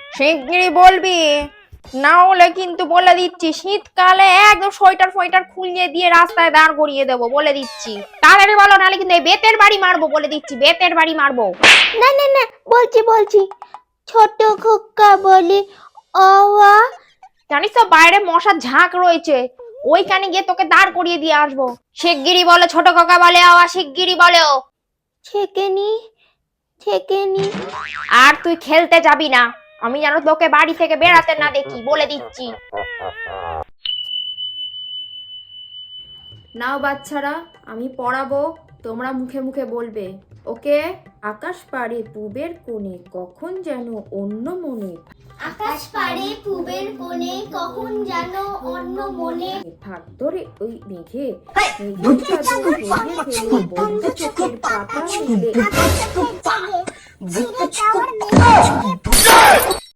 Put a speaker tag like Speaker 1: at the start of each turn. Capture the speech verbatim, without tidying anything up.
Speaker 1: শিগগিরই বলবি, না হলে কিন্তু বলে দিচ্ছি শীতকালে একদম সোয়েটার ফোয়েটার খুলিয়ে দিয়ে রাস্তায় দাঁড় করিয়ে দেবো, বলে দিচ্ছি। তাড়াতাড়ি বলো, নাহলে কিন্তু এই বেতের বাড়ি মারবো, বলে দিচ্ছি বেতের বাড়ি মারবো।
Speaker 2: না না না, বলছি বলছি ছোট খোকা বলে অওয়া।
Speaker 1: জানিস তো বাইরে মশার ঝাঁক রয়েছে, ওইখানে গিয়ে তোকে দাঁড় করিয়ে দিয়ে আসবো। শিগগিরই বলো, ছোট কাকা বলে আওয়া, শিগগিরই বলো।
Speaker 2: ছেকেনি ছেকেনি।
Speaker 1: আর তুই খেলতে যাবি না, আমি যেন তোকে বাড়ি থেকে বেরাতে না দেখি, বলে দিচ্ছি।
Speaker 3: নাও বাচ্চারা, আমি পড়াবো, তোমরা মুখে মুখে বলবে। ওকে? আকাশ পাড়ে পুবের কোণে, কখন যেন অন্য মনে।
Speaker 2: আকাশ পাড়ে পূবের কোণে, কখন যেন অন্য মনে।
Speaker 3: ভাগ ধরে ওই মেঘে, মেঘের চাদর সরিয়ে ফেলে বন্ধ চোখের পাতা মেলে।